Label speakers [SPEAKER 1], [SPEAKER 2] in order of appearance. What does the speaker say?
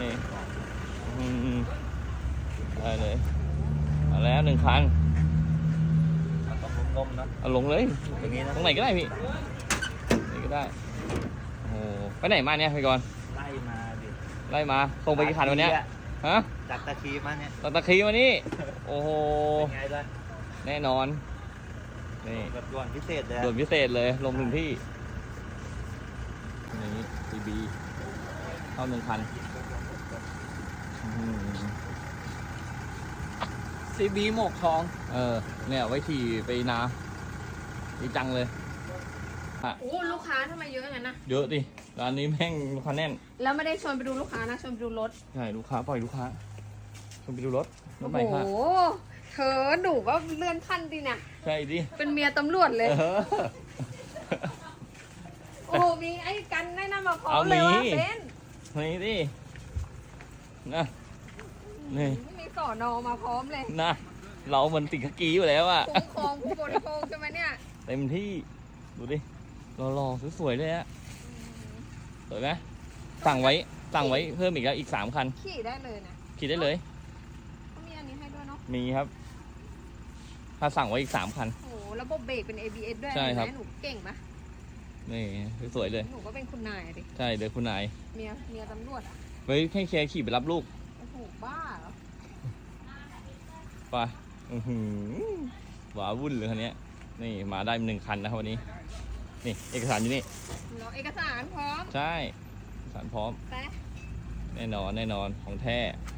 [SPEAKER 1] นี่ได้เลยเอาแล้ว1 คัน
[SPEAKER 2] ต้องลงๆนะ
[SPEAKER 1] เอาลงเลย
[SPEAKER 2] อย่างนี้นะ
[SPEAKER 1] ตรงไหนก็ได้พี่ไหนก็ได้โอ้ไปไหนมาเนี่ยพี่กรณ์
[SPEAKER 2] ไล่มาดิ
[SPEAKER 1] ไล่มาส่งไปกี่คันวันเนี้ยฮะ
[SPEAKER 2] จากตะคีมาเนี่ย
[SPEAKER 1] ตะคีมานี่โอ้โห
[SPEAKER 2] เป็นไงล่ะ
[SPEAKER 1] แน่นอนนี่
[SPEAKER 2] แบบด่วนพิเศษเลย
[SPEAKER 1] ด่วนพิเศษเลยลงถึงที่นี่ซีบีเข้า1 คัน
[SPEAKER 3] ซีบีหมกทอง
[SPEAKER 1] เนี่ยไว้ขี่ไปนาดีจังเลย
[SPEAKER 4] โอ้ลูกค้าทำไมเยอะอย่างนั้นนะ
[SPEAKER 1] เยอะดิร้านนี้แม่งลูกค้าแน่น
[SPEAKER 4] แล้วไม่ได้ชวนไปดูลูกค้านะชวนไปดูรถ
[SPEAKER 1] ใช่ลูกค้าปล่อยลูกค้าชมไปดูรถ
[SPEAKER 4] โอ้
[SPEAKER 1] ใหม่
[SPEAKER 4] โห
[SPEAKER 1] ค่ะ
[SPEAKER 4] เธอหนูก็เลื่อนขั้นดีเนี่ย
[SPEAKER 1] ใช่ดิ
[SPEAKER 4] เป็นเมียตำรวจเลย
[SPEAKER 1] เออ
[SPEAKER 4] โอ้โหมีไอ้กันได้นำมาพร้อมเลยว่า
[SPEAKER 1] เอามี
[SPEAKER 4] เบน
[SPEAKER 1] นี่ดินะนี่
[SPEAKER 4] มีสอนอมาพร้อมเลย
[SPEAKER 1] นะเราเหมือนติดขกีอยู่แล้วอะ
[SPEAKER 4] คุ้มครองผู้บริโภคใช่ไหมเนี่ย
[SPEAKER 1] เต็มที่ดูดิรอๆสวยๆเลยอะสวยไหมสั่งไว้เพิ่มอีก3 คัน
[SPEAKER 4] ขี่ได้เลยนะ
[SPEAKER 1] ขี่ได้เลย
[SPEAKER 4] เขามีอันนี้ให้ด้วยเนาะ
[SPEAKER 1] มีครับ ถ้าสั่งไว้อีก3 คัน
[SPEAKER 4] โอ้โหระบบเบรกเป็น ABS ด้วย
[SPEAKER 1] ใช่ครับ
[SPEAKER 4] เห็นไหมหนูเก่งปะ
[SPEAKER 1] นี่สวยๆเลย
[SPEAKER 4] หนูก็เป็นคุณนายอะดิ
[SPEAKER 1] ใช่เดี๋ยวคุณนาย
[SPEAKER 4] เมียตำรวจอ่ะ
[SPEAKER 1] ไว้ให้แคร์ขี่ไปรับลูก
[SPEAKER 4] โอ้โหบ้าเหรอ
[SPEAKER 1] ไปหวาวุ่นเลยคันนี้นี่มาได้1 คันนะครับวันนี้นี่เอกสารอยู่นี่
[SPEAKER 4] เราเอกสารพร้อม
[SPEAKER 1] ใช่เอกสารพร้อม
[SPEAKER 4] ไป
[SPEAKER 1] แน่นอนของแท้